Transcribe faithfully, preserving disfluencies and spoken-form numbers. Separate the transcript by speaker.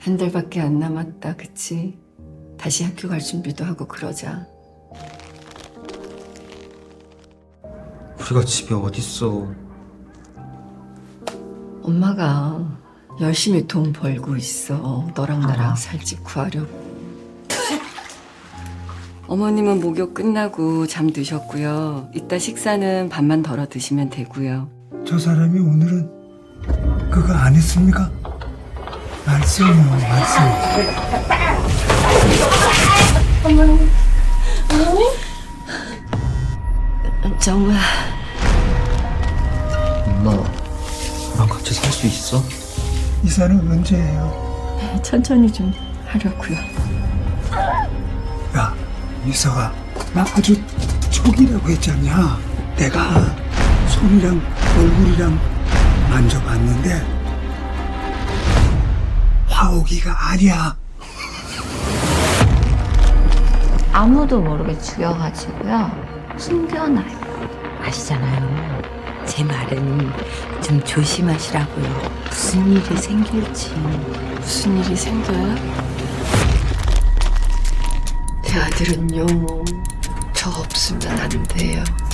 Speaker 1: 한 달밖에 안 남았다, 그치? 다시 학교 갈 준비도 하고 그러자.
Speaker 2: 우리가 집에 어딨어.
Speaker 1: 엄마가 열심히 돈 벌고 있어. 너랑 나랑 살 집 구하려고. 어머님은 목욕 끝나고 잠드셨고요. 이따 식사는 밥만 덜어 드시면 되고요.
Speaker 3: 저 사람이 오늘은 그거 안 했습니까? 말씀이요, 말씀.
Speaker 1: 정말
Speaker 2: 엄마, 나랑 같이 살 수 있어?
Speaker 3: 이사는 언제예요?
Speaker 1: 천천히 좀 하려고요.
Speaker 3: 야, 이사가 나 아주 촉이라고 했잖냐. 내가 손이랑 얼굴이랑 만져봤는데 화옥이가 아니야.
Speaker 4: 아무도 모르게 죽여가지고요. 숨겨놔요.
Speaker 5: 아시잖아요. 제 말은 좀 조심하시라고요. 무슨 일이 생길지.
Speaker 1: 무슨 일이 생겨요? 제 아들은요, 저 없으면 안 돼요.